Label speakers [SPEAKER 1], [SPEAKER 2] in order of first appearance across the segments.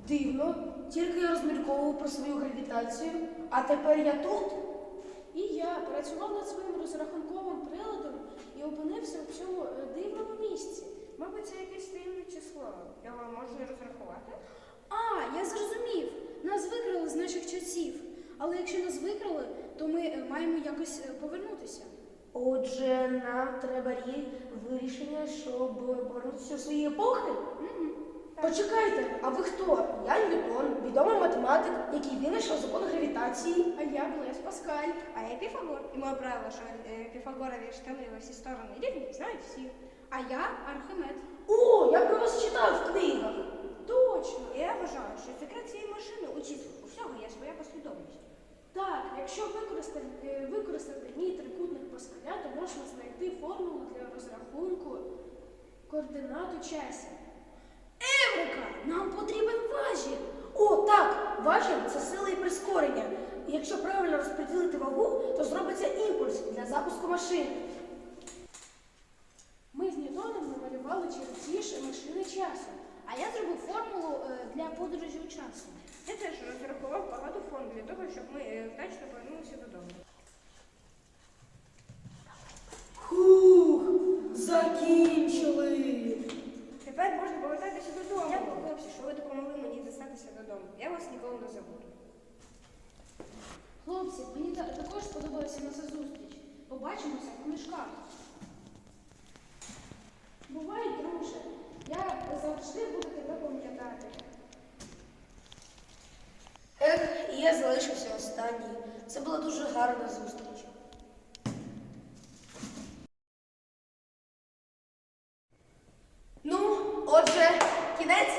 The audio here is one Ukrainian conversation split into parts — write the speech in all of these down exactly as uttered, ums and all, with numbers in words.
[SPEAKER 1] Дивно, тільки я розмірковував про свою гравітацію, а тепер я тут.
[SPEAKER 2] І я працював над своїм розрахунковим приладом і опинився в цьому е, дивному місці.
[SPEAKER 3] Мабуть, це якесь таємне число. Його можна розрахувати?
[SPEAKER 2] А, я зрозумів. Нас викрали з наших часів. Але якщо нас викрали, то ми е, маємо якось е, повернутися.
[SPEAKER 1] Отже, нам треба рі- вирішення, щоб повернутися у свої епохи.
[SPEAKER 2] Мгм.
[SPEAKER 1] Почекайте, а ви хто? Я Ньютон, відомий математик, який винайшов закон гравітації.
[SPEAKER 2] А я Блес Паскаль.
[SPEAKER 3] А я Піфагор. І моє правило, що е, Піфагорові штани во всі сторони рівні, знають всі.
[SPEAKER 2] А я Архимед.
[SPEAKER 1] О, я про вас читав в книгах.
[SPEAKER 2] Точно.
[SPEAKER 3] І я вважаю, що секрет цієї машини у числах. У всього є своя послідовність.
[SPEAKER 2] Так, якщо використати, е, використати дні трикутник Паскаля, то можна знайти формулу для розрахунку координат у часі. Еврика! Нам потрібен важіль!
[SPEAKER 1] О, так, важіль – це сила і прискорення. І якщо правильно розподілити вагу, то зробиться імпульс для запуску машини.
[SPEAKER 2] Ми з Ньютоном намалювали чертіж машини часу, а я зробив формулу е, для подорожі у часу.
[SPEAKER 3] Я теж розрахував багато форм для того, щоб ми е, вдачно повернулися додому.
[SPEAKER 1] Хух, закінчили.
[SPEAKER 3] Тепер можна повертатися додому. Дякую, хлопці, що ви допомогли мені дістатися додому. Я вас ніколи не забуду.
[SPEAKER 2] Хлопці, мені та- також сподобалася наша зустріч. Побачимося в книжках. Бувай, друже, я завжди буду тебе пам'ятати.
[SPEAKER 1] Ех, і я залишився останній. Це була дуже гарна зустріч. Ну, отже, кінець.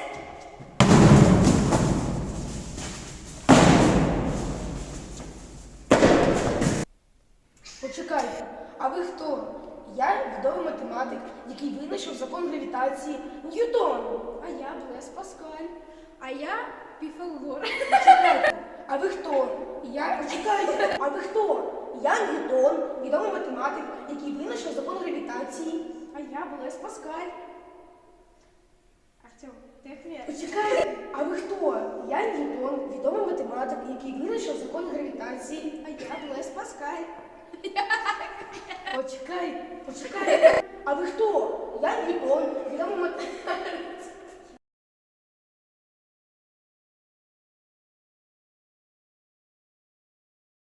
[SPEAKER 1] Почекайте, а ви хто? Я відомий математик, який винайшов закон гравітації Ньютон.
[SPEAKER 2] А я Блес Паскаль. А я Піфагор.
[SPEAKER 1] Почекайте, а ви хто? Я почекайте, а ви хто? Я Ньютон, відомий математик, який винайшов закон гравітації.
[SPEAKER 2] А я Блес Паскаль. Артем, ти хвиль.
[SPEAKER 1] Почекайте, а ви хто? Я Ньютон, відомий математик, який винайшов закон гравітації.
[SPEAKER 2] А я Блес Паскаль.
[SPEAKER 1] Почекайте, почекайте. А ви хто? Я Ньютон, відомий математик.